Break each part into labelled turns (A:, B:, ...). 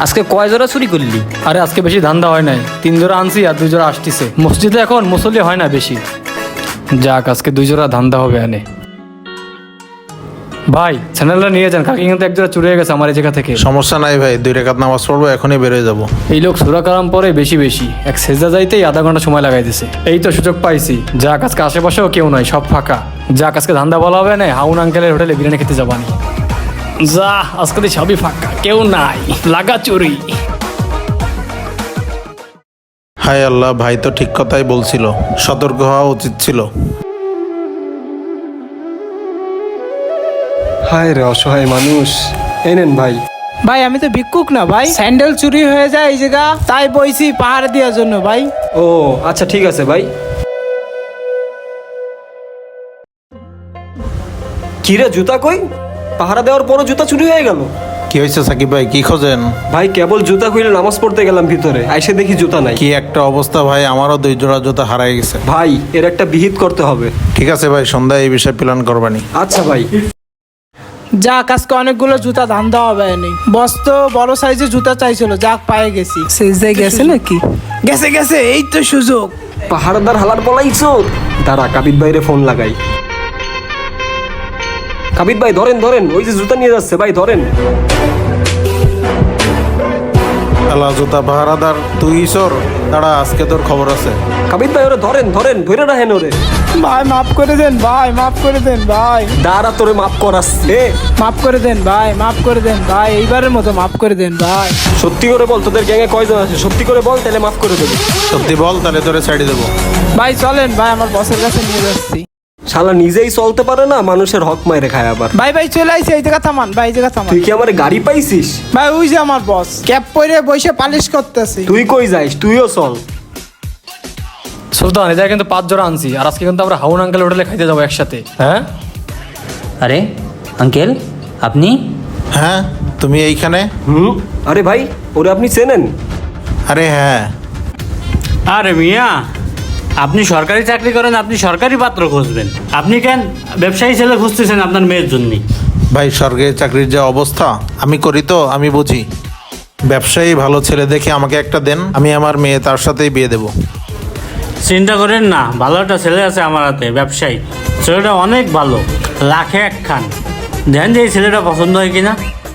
A: আজকে কয় জোড়া চুরি করলি?
B: আরে আজকে বেশি ধান্দা হয় নাই, 3 জোড়া আনছি আর 2 জোড়া আসতেছে। মসজিদে এখন মুসল্লি হয় না বেশি। যাক, আজকে 2 জোড়া ধান্দা হবে আনে। ভাই চ্যানেলটা নিয়ে যান, কাকি কিন্তু 1 জোড়া চুরি হয়ে গেছে আমার এই জায়গা থেকে।
C: সমস্যা নাই ভাই, 2 রাকাত নামাজ পড়বো, এখনই বেরোয় যাবো।
B: এই লোক সূরা কালাম পরে বেশি বেশি, এক সেজদা যাইতেই আধা ঘন্টা সময় লাগাই দিছে। এই তো সুযোগ পাইছি। যাক, আজকে আশেপাশেও কেউ নাই, সব ফাঁকা। যাক, আজকে ধান্দা বলা হবে না, হাউন আঙ্কেলের হোটেলে বিরিয়ানি খেতে যাবানি। যা, আজকে তো সবই ফাঁকা, কেউ নাই, লাগা চুরি।
C: হায় আল্লাহ, ভাই তো ঠিক কথাই বলছিল, সতর্ক হওয়া উচিত ছিল।
D: হায় রে অসহায় মানুষ। এই নেন ভাই।
E: ভাই আমি তো ভিক্ষুক না ভাই, স্যান্ডেল চুরি হয়ে যায় এই জায়গা, তাই বইছি পাহাড় দেওয়ার জন্য ভাই।
D: ও আচ্ছা, ঠিক আছে ভাই। কিরে জুতা কই? পাহারা দেওয়ার পরও জুতা চুরি হয়ে গেল।
C: কি হয়েছে সাকিব ভাই, কি খোঁজেন?
D: ভাই কেবল জুতা খুলে নামাজ পড়তে গেলাম ভিতরে, আইসে দেখি জুতা নাই।
C: কি একটা অবস্থা ভাই, আমারও 2 জোড়া জুতা হারাই গেছে।
D: ভাই এর একটা বিহিত করতে হবে।
C: ঠিক আছে ভাই, সন্ধ্যায় এই বিষয়ে প্ল্যান করবানি।
D: আচ্ছা ভাই।
E: যাক, আজকে অনেকগুলো জুতা ধান্দা হবে নেই। বস তো বড় সাইজের জুতা চাইছিল, যাক পায়ে গেছি। সেজদায় গেছে নাকি? গেছে গেছে, এই তো সুযোগ।
D: পাহাড়দার হালার বলাইছো। দাঁড়া, কাবিদ ভাইরে ফোন লাগাই। কাবিদ ভাই ধরেন ধরেন, ওই যে জুতা নিয়ে যাচ্ছে ভাই, ধরেন।
C: আল্লাহ, জুতা পাহারাদার তুই সর, দাঁড়া, আজকে তোর খবর আছে।
D: কাবিদ ভাই ওরে ধরেন ধরেন, ধরে রাখেন ওরে।
E: ভাই মাফ করে দেন ভাই, মাফ করে দেন ভাই,
D: দাঁড়া তোরে মাফ করাচ্ছে।
E: মাফ করে দেন ভাই, মাফ করে দেন ভাই, এইবারের মতো মাফ করে দেন ভাই।
D: সত্যি করে বল, তোদের গ্যাংয়ে কয়জন আছে? সত্যি করে বল, তাহলে মাফ করে দেবো।
C: সত্যি বল, তাহলে তোরে ছাড়ি দেবো।
E: ভাই চলেন ভাই, আমার বসের কাছে নিয়ে যাচ্ছি।
D: শালা নিজেই চলতে পারে না, মানুষের হক মাইরে খায় আবার।
E: ভাই ভাই চলে আইছে, এই জায়গা থামান ভাই, এই জায়গা থামান।
D: তুই কি আমার গাড়ি পাইছিস?
E: ভাই ওই যে আমার বস ক্যাপ পরে বসে পালিশ করতেছে।
D: তুই কই যাইস? তুইও চল।
B: সুলতান, এটা কিন্তু 5 জোড়া আনছি, আর আজকে কিন্তু আমরা হাউন আঙ্কেল হোটেলে খাইতে যাবো একসাথে। হ্যাঁ
A: আরে আঙ্কেল, আপনি?
C: হ্যাঁ, তুমি এইখানে?
D: আরে ভাই, ওরে আপনি চেনেন?
C: আরে হ্যাঁ।
F: আরে মিয়া, আপনি সরকারি চাকরি করেন, আপনি সরকারি পাত্র খুঁজবেন, আপনি কেন ব্যবসায়ী ছেলে খুঁজতেছেন আপনার মেয়ের জন্য?
C: ভাই, সরকারি চাকরির যে অবস্থা, আমি করি তো আমি বুঝি। ব্যবসায়ী ভালো ছেলে দেখে আমাকে একটা দেন, আমি আমার মেয়ে তার সাথেই বিয়ে দেবো।
F: চিন্তা করেন না, ভালো একটা ছেলে আছে আমার হাতে, ব্যবসায়ী। ছেলেটা অনেক ভালো, লাখে 1 খান। দেখেন যে এই ছেলেটা পছন্দ হয় কিনা।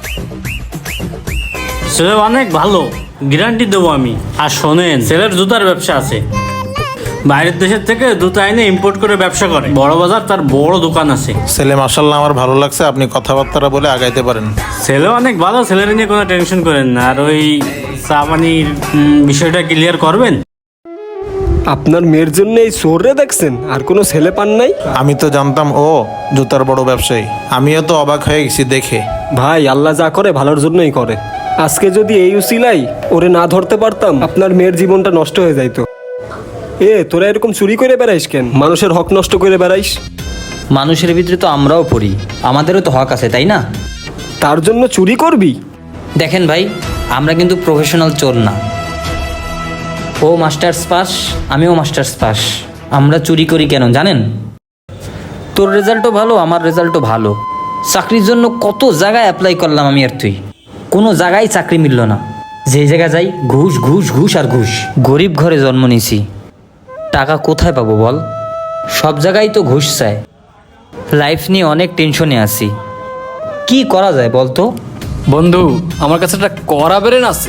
F: ছেলে অনেক ভালো, গ্যারান্টি দেবো আমি। আর শোনেন, ছেলের জুতার ব্যবসা আছে, বাইরের দেশের থেকে জুতা এনে ইম্পোর্ট করে ব্যবসা করে, বড় বাজার তার বড় দোকান আছে।
C: ছেলে মাসাল্লাহ আমার ভালো লাগছে, আপনি কথাবার্তা বলে আগাইতে পারেন।
F: ছেলে অনেক ভালো, ছেলের নিয়ে কোনো টেনশন করেন না। আর ওই চা পানির বিষয়টা ক্লিয়ার করবেন।
D: আপনার মেয়ের জন্য এই চোররে দেখছেন, আর কোনো ছেলে পান নাই?
C: আমি তো জানতাম ও জুতার বড় ব্যবসায়ী, আমিও তো অবাক হয়ে গেছি দেখে।
D: ভাই আল্লাহ যা করে ভালোর জন্যই করে। আজকে যদি এই উসিলাই ওরে না ধরতে পারতাম, আপনার মেয়ের জীবনটা নষ্ট হয়ে যাইতো। তোরা এরকম চুরি করে বেড়াইস কেন? মানুষের হক নষ্ট করে বেড়াইস।
A: মানুষের ভিতরে তো আমরাও পড়ি, আমাদেরও তো হক আছে, তাই না?
D: তার জন্য চুরি করবি?
A: দেখেন ভাই, আমরা কিন্তু প্রফেশনাল চোর না। ও মাস্টার্স পাস, আমিও মাস্টার্স পাস। আমরা চুরি করি কেন জানেন? তোর রেজাল্টও ভালো, আমার রেজাল্টও ভালো। চাকরির জন্য কত জায়গায় অ্যাপ্লাই করলাম আমি আর তুই, কোনো জায়গায় চাকরি মিলল না। যে জায়গায় যাই ঘুষ ঘুষ ঘুষ আর ঘুষ। গরিব ঘরে জন্ম নিয়েছি, টাকা কোথায় পাবো বল? সব জায়গায় তো ঘুষ চায়। লাইফ নিয়ে অনেক টেনশনে আছি, কি করা যায় বলতো?
B: বন্ধু, আমার কাছে একটা করা বেরেন আছে।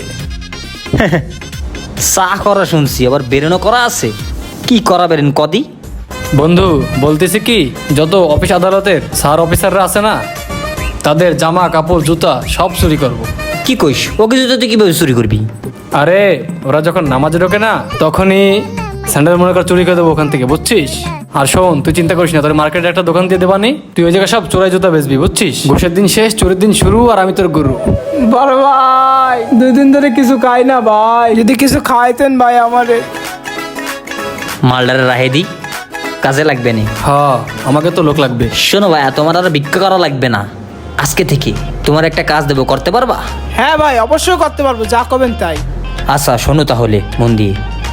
A: চা করা শুনছি, আবার বেরেনও করা আছে। কি করা বেরেন কদি?
B: বন্ধু বলতেছি কি, যত অফিস আদালতের স্যার অফিসাররা আছে না, তাদের জামা কাপড় জুতা সব চুরি করব।
A: কি কইস? ও কিছু তুই কিভাবে চুরি করবি?
B: আরে ওরা যখন নামাজে ঢোকে না, তখনই স্যান্ডেল মনে কর চুরি করে দেবো ওখান থেকে, বুঝছিস? আর শোন, তুই চিন্তা করিস না, তোর মার্কেটে একটা দোকান দিয়ে দেবানি, তুই ওই জায়গায় সব চোরাই জুতা বেচবি, বুঝছিস? ঘুষের দিন শেষ, চোরের দিন শুরু, আর আমি তোর গুরু।
E: বড় ভাই 2 দিন ধরে কিছু খাই না ভাই, যদি কিছু খাইতেন ভাই আমারে।
A: মালদারে রাহে দি, কাজে লাগবে না।
B: হ্যাঁ, আমাকে তো লোক লাগবে।
A: শোনো ভাই, তোমার আর ভিক্ষা করা লাগবে না। আজকে থেকে তোমার একটা কাজ দেবো, করতে পারবা?
E: হ্যাঁ ভাই, অবশ্যই করতে পারবো, যা করবেন তাই।
A: আচ্ছা শোনো তাহলে মন দিয়ে,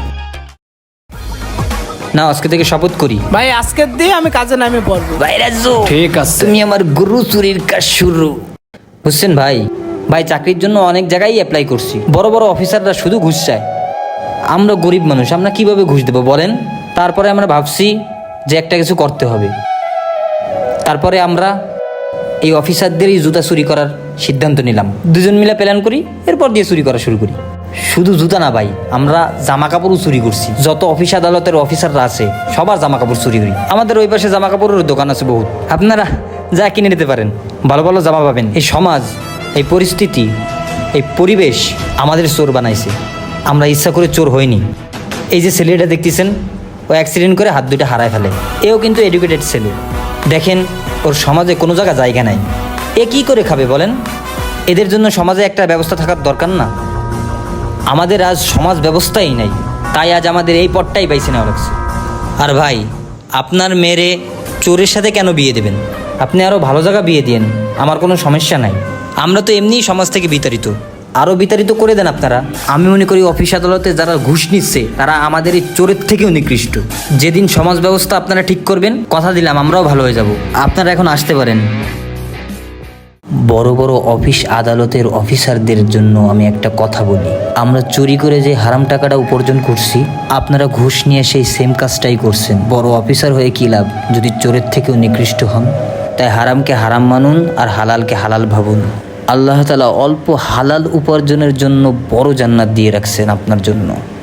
A: না আজকে থেকে শপথ করি
E: ভাই আজকের দিয়ে আমি কাজে নামে পড়বো।
A: ভাই রাজু,
B: ঠিক আছে।
A: তুমি আমার গুরু চুরির কাজ শুরু। বুঝছেন ভাই? ভাই চাকরির জন্য অনেক জায়গায় অ্যাপ্লাই করছি, বড় বড় অফিসাররা শুধু ঘুষ চায়। আমরা গরিব মানুষ, আমরা কিভাবে ঘুষ দেবো বলেন? তারপরে আমরা ভাবছি যে একটা কিছু করতে হবে। তারপরে আমরা এই অফিসারদেরই জুতা চুরি করার সিদ্ধান্ত নিলাম। দুজন মিলে প্ল্যান করি, এরপর দিয়ে চুরি করা শুরু করি। শুধু জুতা না ভাই, আমরা জামা কাপড়ও চুরি করছি। যত অফিস আদালতের অফিসাররা আছে সবার জামা কাপড় চুরি করি। আমাদের ওই পাশে জামা কাপড়ের দোকান আছে বহুত, আপনারা যা কিনে নিতে পারেন, ভালো ভালো জামা পাবেন। এই সমাজ, এই পরিস্থিতি, এই পরিবেশ আমাদের চোর বানাইছে। আমরা ইচ্ছা করে চোর হইনি। এই যে ছেলেটা দেখতেছেন, ও অ্যাক্সিডেন্ট করে হাত দুইটা হারায় ফেলে। এও কিন্তু এডুকেটেড ছেলে। দেখেন ওর সমাজে কোনো জায়গা নাই। এ কী করে খাবে বলেন? এদের জন্য সমাজে একটা ব্যবস্থা থাকার দরকার না? আমাদের আজ সমাজ ব্যবস্থাই নাই, তাই আজ আমাদের এই পথটাই পাইছে না লাগছে। আর ভাই, আপনার মেয়েরে চোরের সাথে কেন বিয়ে দেবেন? আপনি আরও ভালো জায়গা বিয়ে দিন, আমার কোনো সমস্যা নাই। আমরা তো এমনিই সমাজ থেকে বিতাড়িত, আরও বিতাড়িত করে দেন আপনারা। আমি মনে করি অফিস আদালতে যারা ঘুষ নিচ্ছে তারা আমাদের এই চোরের থেকেও নিকৃষ্ট। যেদিন সমাজ ব্যবস্থা আপনারা ঠিক করবেন, কথা দিলাম আমরাও ভালো হয়ে যাব। আপনারা এখন আসতে পারেন। বড় বড় অফিস আদালতের অফিসারদের জন্য আমি একটা কথা বলি, আমরা চুরি করে যে হারাম টাকাটা উপার্জন করছি, আপনারা ঘুষ নিয়ে সেই সেম কাজটাই করছেন। বড় অফিসার হয়ে কী লাভ যদি চোরের থেকেও নিকৃষ্ট হন? তাই হারামকে হারাম মানুন আর হালালকে হালাল ভাবুন। আল্লাহ তাআলা অল্প হালাল উপার্জনের জন্য বড় জান্নাত দিয়ে রাখছেন আপনার জন্য।